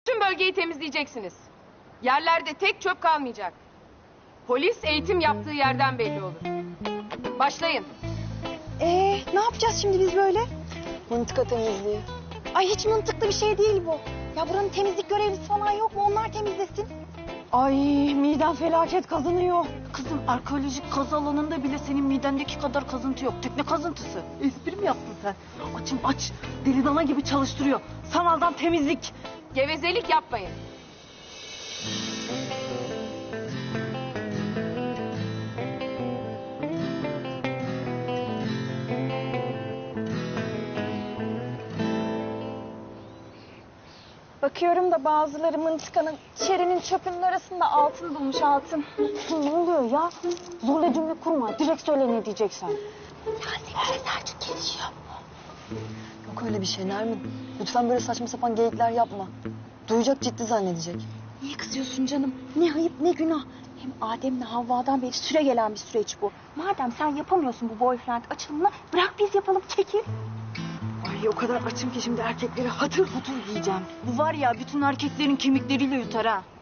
Tüm bölgeyi temizleyeceksiniz. Yerlerde tek çöp kalmayacak. Polis eğitim yaptığı yerden belli olur. Başlayın. Ne yapacağız şimdi biz böyle? Mıntıka temizliği. Ay hiç mantıklı bir şey değil bu. Ya buranın temizlik görevlisi falan yok mu? Onlar temizlesin. Ay midem felaket kazınıyor. Kızım arkeolojik kazı alanında bile senin midendeki kadar kazıntı yok. Tekne kazıntısı. Espri mi yaptın sen? Açım aç. Deli dana gibi çalıştırıyor. Sanaldan temizlik. Gevezelik yapmayın. Bakıyorum da bazıları mıntıkanın içerinin çöpünün arasında altın bulmuş altın. Ne oluyor ya? Zorla cümle kurma. Direkt söyle ne diyeceksen. Ya senin Selçuk gelişiyor. Yok öyle bir şey Nermin. Lütfen böyle saçma sapan geyikler yapma. Duyacak, ciddi zannedecek. Niye kızıyorsun canım? Ne ayıp ne günah. Hem Adem'le Havva'dan beri süre gelen bir süreç bu. Madem sen yapamıyorsun bu boyfriend açılımını bırak biz yapalım, çekil. Ay o kadar açım ki şimdi erkekleri hatır hutur yiyeceğim. Bu var ya bütün erkeklerin kemikleriyle yutar ha.